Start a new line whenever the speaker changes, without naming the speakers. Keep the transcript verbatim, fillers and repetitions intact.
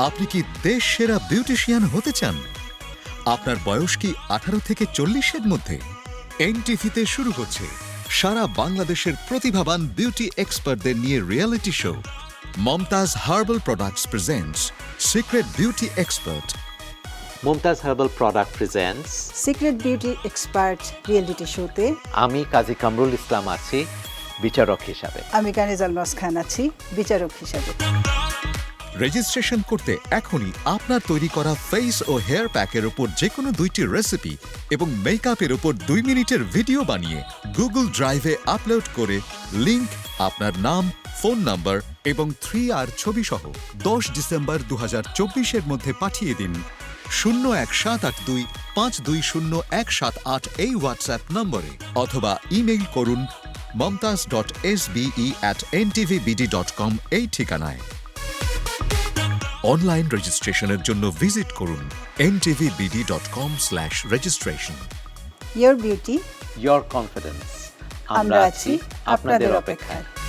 আপনি কি দেশ সেরা বিউটিশিয়ান হতে চান? আপনার বয়স কি আঠারো থেকে চল্লিশের মধ্যে? এনটিভিতে শুরু হচ্ছে সারা বাংলাদেশের প্রতিভাবান বিউটি এক্সপার্টদের নিয়ে reality show Momtaz herbal products presents secret beauty expert.
Momtaz herbal product presents
secret beauty expert reality শোতে
আমি কাজী কামরুল ইসলাম আছি বিচারক হিসাবে।
আমি কানিজ আলমাস খান আছি বিচারক হিসাবে।
রেজিস্ট্রেশন করতে এখনই আপনার তৈরি করা ফেস ও হেয়ার প্যাকের উপর যে কোনো দুইটি রেসিপি এবং মেকআপের উপর দুই মিনিটের ভিডিও বানিয়ে গুগল ড্রাইভে আপলোড করে লিংক, আপনার নাম, ফোন নাম্বার এবং থ্রি আর ছবি সহ দশ ডিসেম্বর দু হাজার চব্বিশের মধ্যে পাঠিয়ে দিন শূন্য এক সাত আট দুই পাঁচ দুই শূন্য এক সাত আট এই হোয়াটসঅ্যাপ নম্বরে, অথবা ইমেইল করুন Momtaz dot S B at N TV BD dot com এই ঠিকানায়। অনলাইন রেজিস্ট্রেশনের জন্য ভিজিট করুন N TV BD dot com slash registration.
Your beauty,
your confidence.
আমরা আছি আপনাদের অপেক্ষায়।